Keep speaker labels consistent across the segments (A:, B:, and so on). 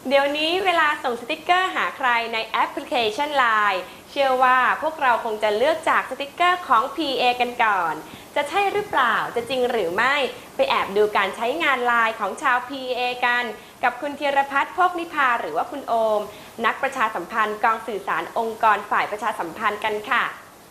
A: เดี๋ยวนี้เวลาส่งสติกเกอร์หาใครในแอปพลิเคชัน LINE เชื่อว่าพวกเราคงจะเลือกจากสติกเกอร์ของ PA กันก่อนจะใช่หรือเปล่าจะจริงหรือไม่ไปแอบดูการใช้งาน LINE ของชาว PA กันกับคุณธีรพัฒน์ โภคนิพาหรือว่าคุณโอมนักประชาสัมพันธ์กองสื่อสารองค์กรฝ่ายประชาสัมพันธ์กันค่ะ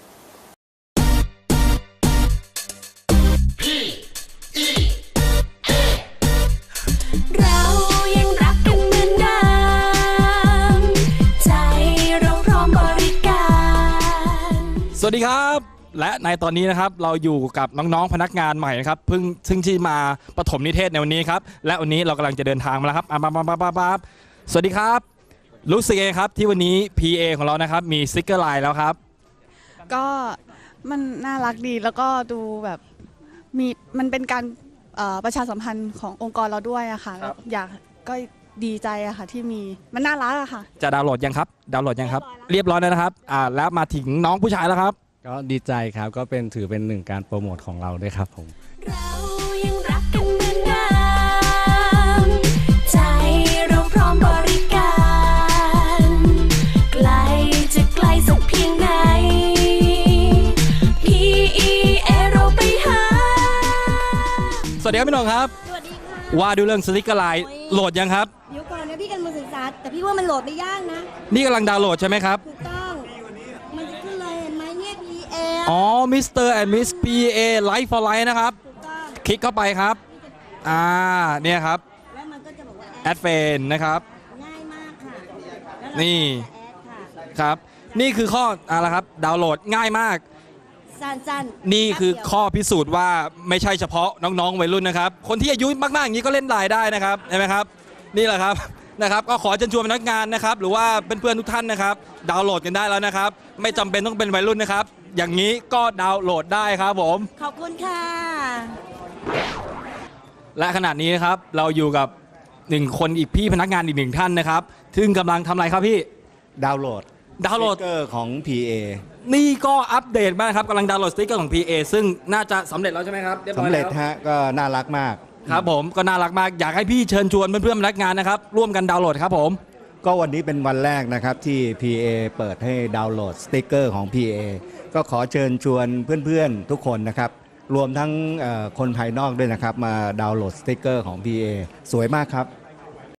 B: สวัสดีครับและในตอนนี้นะครับเราอยู่กับน้องๆพนักงานใหม่นะครับซึ่งที่มาปฐมนิเทศในวันนี้ครับและวันนี้เรากำลังจะเดินทางมาแล้วครับสวัสดีครับรู้สึกไงครับที่วันนี้ PA ของเรานะครับมีสติ๊กเกอร์ไลน์แล้วครับ
C: ก็มันน่ารักดีแล้วก็ดูแบบมันเป็นการประชาสัมพันธ์ขององค์กรเราด้วยอะค่ะอยากก็ดีใจอะค่ะที่มีมันน่ารักอะค่ะ
B: จะดาวน์โหลดยังครับดาวน์โหลดยังครับเรียบร้อยแล้วนะครับแล้วมาถึงน้องผู้ชายแล้วครับ
D: ก็ดีใจครับก็ถือเป็นหนึ่งการโปรโมทของเราด้วยครับผม
E: เรายังรักกันเหมือนเดิมใจเราพร้อมบริการไกลจะไกลสักเพียงไหน PEA เราไปหา
B: สวัสดีครับพี่น้องครับ
F: สวัสดีค่ะ
B: ว่าดูเรื่องสติ๊กเกอร์ไลน์โหลดยังครับ
F: เดี๋ยวก่อนนะพี่กันมาศึกษาแต่พี่ว่ามันโหลดไม่ยากนะ
B: นี่กำลังดาวน์โหลดใช่ไหมครับ
F: ถูกต้องมันจะขึ้นเลยเห็นไหมเนี่ย PA
B: อ๋อ Mr. and Miss PA Life for Life นะครับ
F: ถูกต้อง
B: คลิกเข้าไปครับเนี่ยครับ
F: แล้วมันก็จะบอกว่า
B: แอดเฟนนะครับ
F: ง่ายมากค่ะแล้ว
B: นี่
F: แอดค่ะ
B: ครับนี่คือข้ออะไรครับดาวน์โหลดง่ายมาก
F: สั้นๆ
B: นี่คือข้อพิสูจน์ว่าไม่ใช่เฉพาะน้องๆวัยรุ่นนะครับคนที่อายุมากๆอย่างนี้ก็เล่นไลน์ได้นะครับใช่ไหมครับนี่แหละครับนะครับก็ขอเชิญชวนพนักงานนะครับหรือว่าเพื่อนๆทุกท่านนะครับดาวน์โหลดกันได้แล้วนะครับไม่จำเป็นต้องเป็นวัยรุ่นนะครับอย่างนี้ก็ดาวน์โหลดได้ครับผม
F: ขอบคุณค่ะ
B: และขณะนี้นะครับเราอยู่กับหนึ่งคนอีกพี่พนักงานอีกหนึ่งท่านนะครับซึ่งกำลังทำอะไรครับพี่
D: ดาวน์โหลด
B: สติ๊
D: กเกอร์ของ PA
B: นี่ก็อัปเดตมากครับกำลังดาวน์โหลดสติ๊กเกอร์ของ PA ซึ่งน่าจะสำเร็จแล้วใช่ไหมครับ
D: สำเร็จฮะก็น่ารักมาก
B: ครับผมก็น่ารักมากอยากให้พี่เชิญชวนเพื่อนๆพนักงานนะครับร่วมกันดาวน์โหลดครับผม
D: ก็วันนี้เป็นวันแรกนะครับที่ PA เปิดให้ดาวน์โหลดสติ๊กเกอร์ของ PA ก็ขอเชิญชวนเพื่อนๆทุกคนนะครับรวมทั้งคนภายนอกด้วยนะครับมาดาวน์โหลดสติ๊กเกอร์ของ PA สวยมากครับ